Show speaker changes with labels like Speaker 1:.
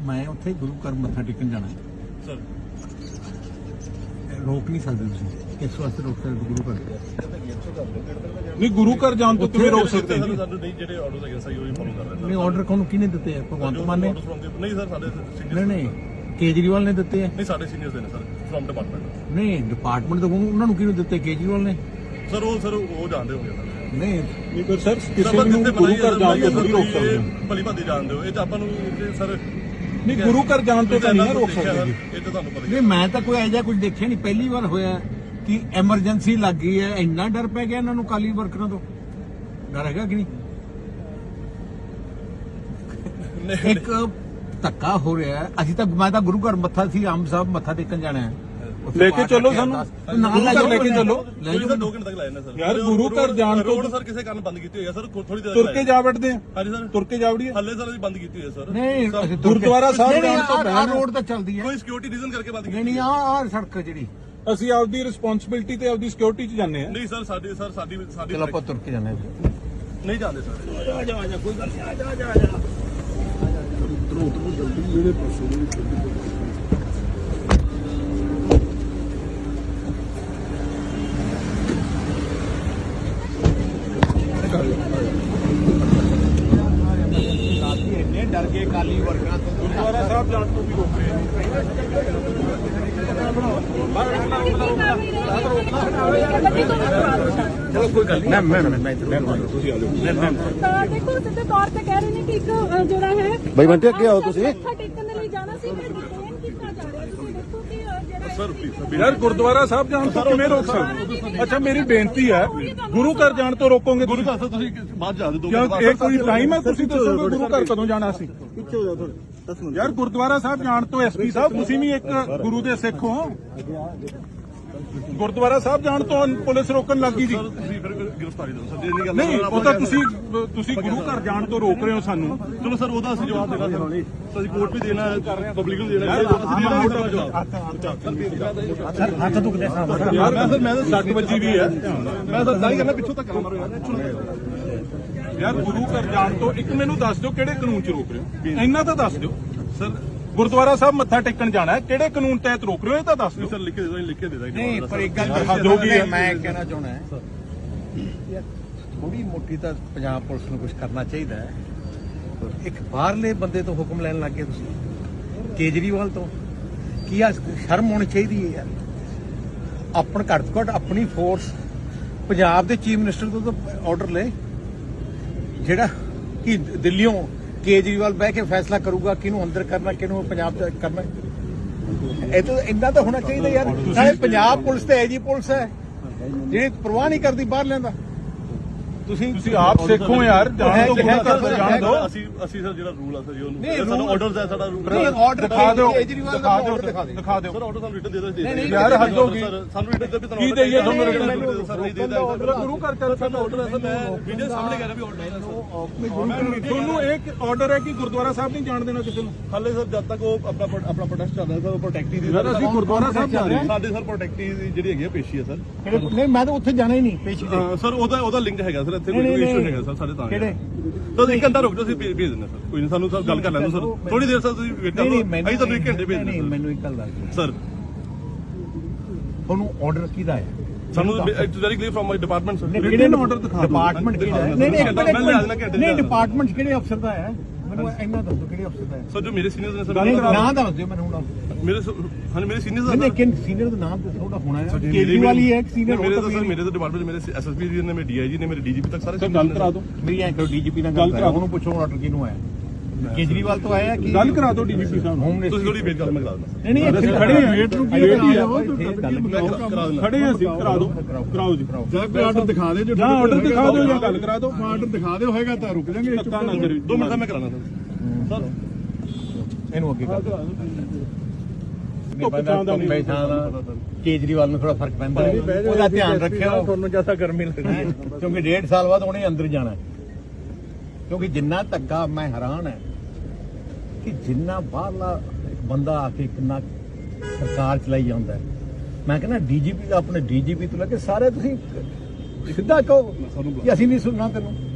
Speaker 1: मैं उत्थे गुरु घर मत्था टेकन जाना
Speaker 2: सर
Speaker 1: रोक नहीं सकते तुसीं किस वास्ते रोक सकते गुरु घर
Speaker 3: नहीं गुरु घर जान तो किवें रोक सकते हैं
Speaker 2: ਸਾਨੂੰ ਨਹੀਂ ਜਿਹੜੇ ਆਰਡਰਸ ਹੈਗੇ ਸਹੀ ਉਹੀ ਫੋਲੋ ਕਰ ਰਹੇ
Speaker 1: नहीं ऑर्डर कौन किने दिते हैं भगवंत मान ने
Speaker 2: ਨਹੀਂ ਸਰ ਸਾਡੇ
Speaker 1: नहीं
Speaker 2: ਸੀਨੀਅਰ
Speaker 1: नहीं केजरीवाल ने दिते हैं
Speaker 2: ਨਹੀਂ ਸਾਡੇ ਸੀਨੀਅਰਸ ਨੇ ਸਰ ਫਰਮ ਡਿਪਾਰਟਮੈਂਟ
Speaker 1: नहीं डिपार्टमेंट तो उन्होंने किने दिते केजरीवाल ने
Speaker 2: ਸਰ ਉਹ ਜਾਣਦੇ ਹੋਗੇ ਸਰ
Speaker 1: नहीं
Speaker 3: नहीं पर सर किसी ਨੂੰ ਗੁਰੂ ਘਰ ਜਾਣ ਤੋਂ ਥੋੜੀ ਰੋਕ ਸਕਦੇ ਹੋ
Speaker 2: ਭਲੀ ਭਾਦੀ ਜਾਣਦੇ ਹੋ ਇਹ ਤਾਂ ਆਪਾਂ ਨੂੰ ਸਰ
Speaker 3: नहीं गुरु घर जान तो नहीं रोक सकते जी
Speaker 2: ਇਹ ਤਾਂ ਤੁਹਾਨੂੰ ਪਤਾ ਹੀ
Speaker 1: नहीं मैं तो कोई ऐसा कुछ देखा नहीं पहली बार होया कि एमरजेंसी लग गई है इन्ना डर पै गया इन्होंने काली वर्करां तो डर हैगा कि नहीं एक धक्का हो रहा है अभी तक मैं तो गुरु घर मत्था सी आम साहब मत्था टेकन जाना है
Speaker 3: लेके चलो सानू गुरु घर लेके चलो
Speaker 2: नहीं सर 2 घंटे तक लाए ना सर
Speaker 3: यार गुरु घर जान तो
Speaker 2: रोड सर ਕਿਸੇ ਕਾਰਨ ਬੰਦ ਕੀਤੀ ਹੋਈ ਹੈ ਸਰ ਥੋੜੀ ਦੇਰ
Speaker 3: तुर के जा बैठते हैं
Speaker 2: ਹਾਂਜੀ ਸਰ
Speaker 3: तुर के जा वड़िए
Speaker 2: ਹੱਲੇ ਸਰ ਅਸੀਂ ਬੰਦ ਕੀਤੀ ਹੋਈ ਹੈ ਸਰ
Speaker 1: नहीं
Speaker 3: गुरुद्वारा साहब जान तो
Speaker 1: आ रोड तो चलती है
Speaker 2: ਕੋਈ ਸਿਕਿਉਰਿਟੀ ਰੀਜ਼ਨ ਕਰਕੇ ਬੰਦ ਕੀਤੀ
Speaker 1: नहीं नहीं आ सड़क जी
Speaker 3: ਅਸੀਂ ਆਪਦੀ ਰਿਸਪੌਂਸਿਬਿਲਟੀ ਤੇ ਆਪਦੀ ਸਿਕਿਉਰਿਟੀ 'ਚ ਜਾਂਦੇ ਆ
Speaker 2: ਨਹੀਂ ਸਰ ਸਾਡੀ
Speaker 1: चलो आप तुर के जाने
Speaker 2: ਨਹੀਂ ਜਾਂਦੇ ਸਰ
Speaker 1: इन्ने डर गए काली वर्करां तो
Speaker 3: ਗੁਰਦੁਆਰਾ ਸਾਹਿਬ ਜਾਣ ਤੋਂ ਵੀ ਰੋਕ ਰਹੇ
Speaker 1: चलो कोई गल नहीं मैं ਤੁਸੀਂ ਆ ਜਾਓ
Speaker 4: ਤਾਂ ਦੇਖੋ ਸਿੱਧੇ ਤੌਰ ਤੇ ਕਹਿ ਰਹੇ ਨੇ ਕਿ ਇੱਕ ਜਿਹੜਾ ਹੈ
Speaker 5: ਬਈ ਬੰਟੇ ਅੱਗੇ ਆਓ ਤੁਸੀਂ
Speaker 4: ਮੱਥਾ ਟੇਕਣ ਦੇ ਲਈ ਜਾਣਾ ਸੀ ਮੈਂ ਡਿਟੇਨ ਕੀਤਾ ਜਾ ਰਿਹਾ ਤੁਸੀਂ ਦੇਖੋ ਕਿ ਜਿਹੜਾ
Speaker 2: ਸਰ
Speaker 3: ਯਾਰ ਗੁਰਦੁਆਰਾ ਸਾਹਿਬ ਜਾਣ ਤੋਂ ਕਿਵੇਂ ਰੋਕ ਸਕਦੇ ਅੱਛਾ ਮੇਰੀ ਬੇਨਤੀ ਹੈ ਗੁਰੂ ਘਰ ਜਾਣ ਤੋਂ ਰੋਕੋਗੇ
Speaker 2: ਗੁਰੂ ਘਰ ਸਰ ਤੁਸੀਂ ਬਾਅਦ ਜਾ ਦੇ ਦੋ
Speaker 3: ਕਿਉਂ ਇਹ ਕੋਈ ਟਾਈਮ ਹੈ ਤੁਸੀਂ ਦੱਸੋਗੇ ਗੁਰੂ ਘਰ ਕਦੋਂ ਜਾਣਾ ਸੀ
Speaker 5: ਪਿੱਛੇ ਹੋ ਜਾਓ ਥੋੜੇ
Speaker 3: ਯਾਰ ਗੁਰਦੁਆਰਾ ਸਾਹਿਬ ਜਾਣ ਤੋਂ ਐਸਪੀ ਸਾਹਿਬ ਤੁਸੀਂ ਵੀ ਇੱਕ ਗੁਰੂ ਦੇ ਸਿੱਖ ਹੋ ਗੁਰਦੁਆਰਾ ਸਾਹਿਬ ਜਾਣ ਤੋਂ ਪੁਲਿਸ ਰੋਕਣ ਲੱਗੀ ਜੀ
Speaker 2: ਸਰ ਤੁਸੀਂ ਫਿਰ ਗ੍ਰਿਫਤਾਰੀ ਦਿਓ ਸਰ ਜੇ ਨਹੀਂ ਗੱਲ
Speaker 3: ਨਹੀਂ ਉਹ ਤਾਂ ਤੁਸੀਂ ਗੁਰੂ ਘਰ ਜਾਣ ਤੋਂ ਰੋਕ ਰਹੇ ਹੋ ਸਾਨੂੰ
Speaker 2: ਚਲੋ ਸਰ ਉਹਦਾ ਅਸੀਂ ਜਵਾਬ ਦੇਣਾ ਸਰ ਅਸੀਂ ਕੋਰਟ ਵੀ ਦੇਣਾ ਹੈ ਪਬਲਿਕ ਨੂੰ ਦੇਣਾ ਹੈ ਅਸੀਂ ਦੇਣਾ ਮੋਟਾ ਜਵਾਬ
Speaker 1: ਹੱਥ ਦੁਖਦੇ ਸਾਹਮਣੇ
Speaker 3: ਯਾਰ ਮੈਂ ਤਾਂ 60 ਵਜੇ ਵੀ ਹੈ
Speaker 2: ਮੈਂ ਤਾਂ ਦਾਈ ਕਰਨਾ ਪਿੱਛੋਂ ਤੱਕ ਮਾਰੋ ਯਾਰ
Speaker 3: ਯਾਰ ਗੁਰੂ ਘਰ ਜਾਣ ਤੋਂ ਇੱਕ ਮੈਨੂੰ ਦੱਸ ਦਿਓ ਕਿਹੜੇ ਕਾਨੂੰਨ 'ਚ ਰੋਕ ਰਹੇ ਹੋ ਇੰਨਾ ਤਾਂ ਦੱਸ ਦਿਓ
Speaker 2: ਸਰ
Speaker 3: ਗੁਰਦੁਆਰਾ ਸਾਹਿਬ ਮੱਥਾ ਟੇਕਣ ਜਾਣਾ ਹੈ ਕਿਹੜੇ ਕਾਨੂੰਨ ਤਹਿਤ ਰੋਕ ਰਹੇ ਹੋ ਇਹ ਤਾਂ ਦੱਸ ਦਿਓ
Speaker 2: ਸਰ ਲਿਖ ਕੇ ਦੇ ਦੋ ਲਿਖ ਕੇ ਦੇ ਦਾਂਗੇ
Speaker 1: नहीं पर एक गल
Speaker 3: हद हो गई है।
Speaker 1: मैं कहना चाहना है यार थोड़ी मोटी तो पंजाब पुलिस को कुछ करना चाहिए है एक बाहरले बंदे तो हुक्म लैन लग गए तुसीं केजरीवाल तो की शर्म होनी चाहिए है यार अपन घट तो घट अपनी फोर्स पंजाब के चीफ मिनिस्टर तो ऑर्डर ले जेड़ा कि दिल्लियों केजरीवाल बह के फैसला करूगा किनू अंदर करना किनू पंजाब करना ਇਹ ਤਾਂ ਇੰਨਾ ਤਾਂ ਹੋਣਾ ਚਾਹੀਦਾ ਯਾਰ ਸਾਰੇ ਪੰਜਾਬ ਪੁਲਿਸ ਤੇ ਐਜੀ ਪੁਲਿਸ ਹੈ ਜਿਹੜੀ ਪਰਵਾਹ ਨਹੀਂ ਕਰਦੀ ਬਾਹਰ ਲੈਂਦਾ
Speaker 3: ਤੁਸੀਂ ਆਪ ਸਿੱਖੋ ਯਾਰ ਜਾਣ ਤੋਂ ਗੁਰੂ ਘਰ ਤੋਂ ਜਾਣ ਦਿਓ
Speaker 2: ਅਸੀਂ ਸਰ ਜਿਹੜਾ ਰੂਲ ਆ ਸਰ ਜੀ
Speaker 1: ਨਹੀਂ,
Speaker 2: ਉਹਨੂੰ ਸਾਡਾ
Speaker 1: rule-
Speaker 2: ਆਰਡਰਸ ਹੈ ਸਾਡਾ ਰੂਲ
Speaker 1: ਨਹੀਂ ਆਰਡਰ
Speaker 3: ਦਿਖਾ ਦਿਓ
Speaker 1: ਕੇਜਰੀਵਾਲ ਦਾ order ਦਿਖਾ ਦਿਓ
Speaker 3: ਦਿਖਾ ਦਿਓ
Speaker 2: ਸਰ ਆਰਡਰ ਸਾਨੂੰ ਰਿਟਨ ਦੇ ਦੋ
Speaker 1: ਨਹੀਂ,
Speaker 3: ਯਾਰ ਹੱਦ ਹੋ ਗਈ
Speaker 2: ਸਾਨੂੰ ਰਿਟਨ ਦੇ ਵੀ
Speaker 3: ਕੀ ਦੇਈਏ ਤੁਹਾਨੂੰ
Speaker 2: order
Speaker 3: ਰਿਟਨ
Speaker 2: ਸਰ ਨਹੀਂ ਦੇਦਾ
Speaker 3: ਗੁਰੂ ਘਰ ਚੱਲ
Speaker 2: ਸਾਡਾ ਆਰਡਰ ਹੈ ਸਰ ਮੈਂ ਵੀਡੀਓ ਸਾਹਮਣੇ ਕਹਿ ਰਿਹਾ ਵੀ ਆਰਡਰ ਹੈ
Speaker 3: ਤੁਹਾਨੂੰ ਇੱਕ ਆਰਡਰ ਹੈ ਕਿ ਗੁਰਦੁਆਰਾ ਸਾਹਿਬ ਨਹੀਂ ਜਾਣ ਦੇਣਾ ਕਿਸੇ ਨੂੰ
Speaker 2: ਹਾਲੇ ਸਰ ਜਦ ਤੱਕ ਉਹ ਆਪਣਾ ਪ੍ਰੋਟੈਸਟ ਚੱਲ ਰਿਹਾ ਸਰ ਉਹ ਪ੍ਰੋਟੈਕਟੀ ਦੀ
Speaker 3: ਯਾਰ ਅਸੀਂ ਗੁਰਦੁਆਰਾ ਸਾਹਿਬ ਜਾ ਰਹੇ ਹਾਂ
Speaker 2: ਸਾਡੇ ਸਰ ਪ੍ਰੋਟੈਕਟੀ ਦੀ ਜਿਹੜੀ ਹੈਗੀ ਆ ਪੇਸ਼ੀ ਹੈ ਸਰ
Speaker 1: ਨਹੀਂ ਮੈਂ ਤਾਂ ਉੱਥੇ ਜਾਣਾ ਹੀ ਨਹੀਂ ਪੇਸ਼ੀ ਤੇ
Speaker 2: ਸਰ ਉਹਦਾ ਲਿੰਕ ਹੈਗਾ ਸਰ ਇੱਥੇ
Speaker 1: ਨਹੀਂ,
Speaker 2: ਕੋਈ
Speaker 1: ਨਹੀਂ,
Speaker 2: ਇਸ਼ੂ ਹੈਗਾ ਸਰ ਸਾਡੇ ਤਾਂ
Speaker 1: ਕਿਹੜੇ?
Speaker 2: ਤਾਂ 1 ਘੰਟਾ ਰੁਕ ਜਾਓ ਅਸੀਂ ਭੇਜ ਦਿੰਦੇ ਸਰ ਕੋਈ ਨਹੀਂ ਸਾਨੂੰ ਸਰ ਗੱਲ ਕਰ ਲੈਣ ਦਿਓ ਸਰ ਥੋੜੀ ਦੇਰ ਸਰ ਤੁਸੀਂ ਵੇਟ ਕਰੋ ਅਸੀਂ ਤੁਹਾਨੂੰ 1 ਘੰਟੇ ਭੇਜ
Speaker 1: ਨਹੀਂ
Speaker 2: ਦਿੰਦੇ
Speaker 1: ਮੈਨੂੰ ਇੱਕ ਗੱਲ ਦੱਸ
Speaker 2: ਸਰ
Speaker 1: ਤੁਹਾਨੂੰ ਆਰਡਰ ਕਿਹਦਾ ਹੈ
Speaker 2: ਸਾਨੂੰ it's very clear from my department sir
Speaker 3: ਕਿਹੜੇ ਨੂੰ order ਦਿਖਾ ਦਿਓ।
Speaker 1: ਡਿਪਾਰਟਮੈਂਟ ਕਿਹੜਾ ਹੈ
Speaker 2: ਨਹੀਂ,
Speaker 1: ਨਹੀਂ
Speaker 2: ਮੈਂ ਲੈ ਜਾਣਾ ਘੰਟੇ
Speaker 1: ਨਹੀਂ
Speaker 2: ਚ।
Speaker 1: ਡਿਪਾਰਟਮੈਂਟ ਕਿਹੜੇ ਅਫਸਰ ਦਾ ਹੈ ਮੈਨੂੰ ਇੰਨਾ ਦੱਸੋ ਕਿਹੜੇ ਅਫਸਰ ਦਾ ਹੈ
Speaker 2: ਸਰ ਜੋ ਮੇਰੇ ਸੀਨੀਅਰਸ ਨੇ ਸਰ
Speaker 1: ਨਾਂ ਦੱਸ ਦਿਓ ਮੈਨੂੰ ਹੁਣ
Speaker 2: ਮੇਰੇ ਹਾਂ ਮੇਰੇ ਸੀਨੀਅਰਸ
Speaker 1: ਨਹੀਂ ਲੇਕਿਨ ਸੀਨੀਅਰ ਦਾ ਨਾਮ ਦੱਸੋ ਉਹਦਾ ਹੋਣਾ ਹੈ ਕੇਜਰੀਵਾਲ ਹੀ ਹੈ ਸੀਨੀਅਰ
Speaker 2: ਮੇਰੇ ਤਾਂ ਸਰ ਮੇਰੇ ਤਾਂ ਡਿਪਾਰਟਮੈਂਟ ਮੇਰੇ ਐਸਐਸਪੀ ਜੀ ਨੇ ਮੇਰੇ ਡੀਆਈਜੀ ਨੇ ਮੇਰੇ ਡੀਜੀਪੀ ਤੱਕ ਸਾਰੇ
Speaker 3: ਗੱਲ ਕਰਾ ਦਿਓ
Speaker 1: ਮੇਰੀ ਐਂ ਕਰੋ ਡੀਜੀਪੀ ਨਾਲ ਗੱਲ ਕਰਾ ਉਹਨੂੰ ਪੁੱਛੋ ਆਰਡਰ ਕਿਹਨੂੰ ਆਇਆ ਕੇਜਰੀਵਾਲ ਤੋਂ ਆਇਆ ਕਿ
Speaker 3: ਗੱਲ ਕਰਾ ਦਿਓ ਡੀਜੀਪੀ ਸਾਹਿਬ ਨੂੰ
Speaker 1: ਹੋਮ
Speaker 2: ਤੁਸੀਂ ਥੋੜੀ ਵੇਟ ਕਰੋ ਮੈਂ ਕਰਾ ਦਿੰਦਾ
Speaker 1: ਨਹੀਂ ਇੱਥੇ
Speaker 3: ਖੜੇ ਹਾਂ, ਵੇਟ ਨੂੰ ਕੀ
Speaker 1: ਵੇਟ ਹੀ ਹੈ।
Speaker 2: ਕਰਾ ਦਿੰਦਾ
Speaker 3: ਖੜੇ ਹਾਂ ਅਸੀਂ ਕਰਾ ਦਿਓ ਕਰਾਓ ਜੀ
Speaker 5: ਜਾਂ ਕੋਈ ਆਰਡਰ ਦਿਖਾ ਦੇ ਜੋ
Speaker 3: ਜਾਂ ਆਰਡਰ ਦਿਖਾ ਦਿਓ ਜਾਂ ਗੱਲ ਕਰਾ ਦਿਓ
Speaker 5: ਆਰਡਰ ਦਿਖਾ ਦਿਓ ਹੋਏਗਾ ਤਾਂ ਰੁਕ ਜਾਾਂਗੇ
Speaker 3: ਧੱਕਾ ਨਾ ਕਰਿਓ
Speaker 2: 2 ਮਿੰਟ ਦਾ ਮੈਂ ਕਰਾਣਾ ਸਰ
Speaker 1: ਇਹਨੂੰ ਅੱਗੇ ਕਰ
Speaker 3: ਧੁੱਪ ਛਾਂ ਦਾ ਨਹੀਂ।
Speaker 1: ਕੇਜਰੀਵਾਲ ਨੂੰ ਥੋੜਾ ਫਰਕ ਪੈਂਦਾ ਹੈ। ਉਹਦਾ ਧਿਆਨ ਰੱਖਿਓ ਤੁਹਾਨੂੰ ਜਿਆਦਾ ਗਰਮੀ ਲੱਗਦੀ ਹੈ ਕਿਉਂਕਿ 1.5 ਸਾਲ ਬਾਅਦ ਉਹਨੇ ਅੰਦਰ ਜਾਣਾ ਹੈ। ਕਿਉਂਕਿ ਜਿੰਨਾ ਧੱਕਾ ਮੈਂ ਹੈਰਾਨ ਹੈ ਕਿ ਜਿੰਨਾ ਬਾਹਰਲਾ ਇੱਕ ਬੰਦਾ ਆ ਕੇ ਕਿੰਨਾ ਸਰਕਾਰ ਚਲਾਈ ਜਾਂਦਾ ਹੈ। ਮੈਂ ਕਹਿੰਦਾ ਡੀਜੀਪੀ ਦਾ ਆਪਣੇ ਡੀਜੀਪੀ ਤੋਂ ਲੈ ਕੇ ਸਾਰੇ ਤੁਸੀਂ ਸਿੱਧਾ ਕਹੋ ਕਿ ਅਸੀਂ ਨਹੀਂ ਸੁਣਨਾ ਤੈਨੂੰ